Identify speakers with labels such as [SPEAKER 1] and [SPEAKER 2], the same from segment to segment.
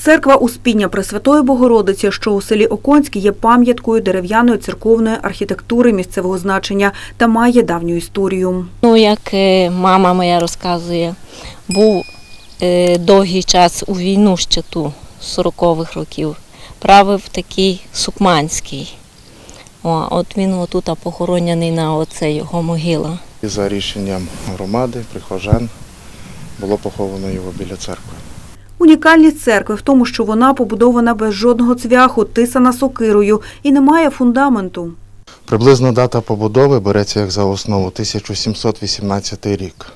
[SPEAKER 1] Церква Успіння Пресвятої Богородиці, що у селі Оконськ, є пам'яткою дерев'яної церковної архітектури місцевого значення та має давню історію.
[SPEAKER 2] Як мама моя розказує, був довгий час у війну ще ту, 40-х років, правив такий Сукманський. От він отут похоронений на оце його могила.
[SPEAKER 3] За рішенням громади, прихожан, було поховано його біля церкви.
[SPEAKER 1] Унікальність церкви в тому, що вона побудована без жодного цвяху, тисана сокирою і не має фундаменту.
[SPEAKER 3] Приблизна дата побудови береться як за основу 1718 рік.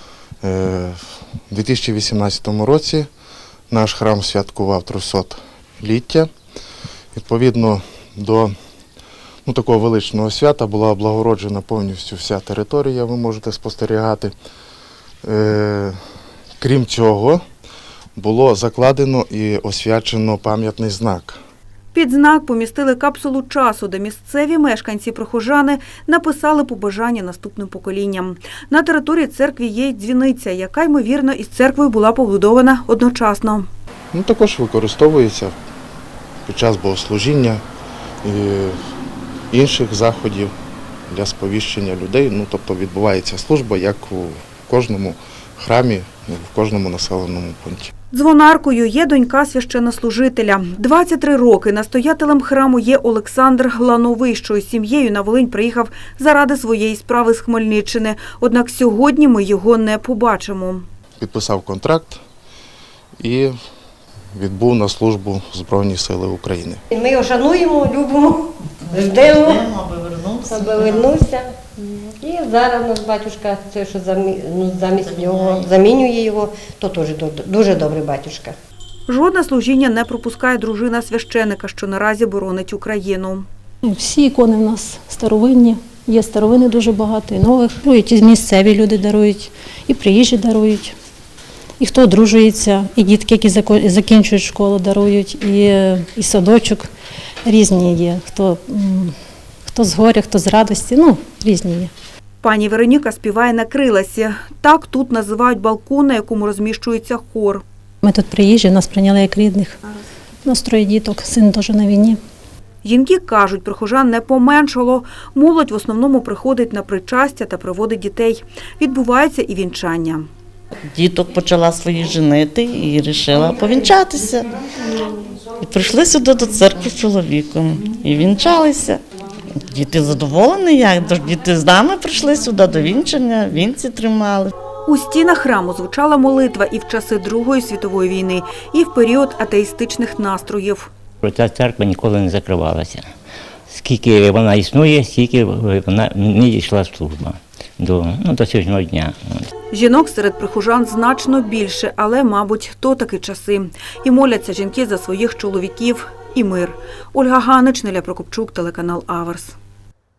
[SPEAKER 3] У 2018 році наш храм святкував 300-ліття. Відповідно до такого величного свята була облагороджена повністю вся територія, ви можете спостерігати. Крім цього, було закладено і освячено пам'ятний знак.
[SPEAKER 1] Під знак помістили капсулу часу, де місцеві мешканці-прихожани написали побажання наступним поколінням. На території церкви є й дзвіниця, яка, ймовірно, із церквою була побудована одночасно.
[SPEAKER 3] Також використовується під час богослужіння і інших заходів для сповіщення людей. Тобто відбувається служба, як у кожному храмі, в кожному населеному пункті.
[SPEAKER 1] Дзвонаркою є донька священнослужителя. 23 роки настоятелем храму є Олександр Глановий, що із сім'єю на Волинь приїхав заради своєї справи з Хмельниччини. Однак сьогодні ми його не побачимо.
[SPEAKER 3] Підписав контракт і відбув на службу в Збройні Сили України.
[SPEAKER 4] Ми його шануємо, любимо, ждемо, аби вернувся. І зараз наш батюшка, це, що замість нього замінює його, то теж дуже добрий батюшка.
[SPEAKER 1] Жодне служіння не пропускає дружина священика, що наразі боронить Україну.
[SPEAKER 5] Всі ікони в нас старовинні, є старовини дуже багато, і нових. І місцеві люди дарують, і приїжджі дарують, і хто одружується, і дітки, які закінчують школу, дарують, і садочок різні є, хто з горя, хто з радості, різні є.
[SPEAKER 1] Пані Вероніка співає на криласі. Так тут називають балкон, на якому розміщується хор.
[SPEAKER 5] Ми тут приїжджі, нас прийняли як рідних. У нас 3 діток, син теж на війні.
[SPEAKER 1] Жінки кажуть, прихожан не поменшало. Молодь в основному приходить на причастя та приводить дітей. Відбувається і вінчання.
[SPEAKER 6] Діток почала свої женити і вирішила повінчатися. І прийшли сюди до церкви з чоловіком і вінчалися. Діти задоволені, діти з нами прийшли сюди до вінчання, вінці тримали.
[SPEAKER 1] У стінах храму звучала молитва і в часи Другої світової війни, і в період атеїстичних настроїв.
[SPEAKER 7] Ця церква ніколи не закривалася. Скільки вона існує, стільки вона не йшла служба до сьогоднішнього дня.
[SPEAKER 1] Жінок серед прихожан значно більше, але, мабуть, то таки часи. І моляться жінки за своїх чоловіків і мир. Ольга Ганич, Неля Прокопчук, телеканал Аверс.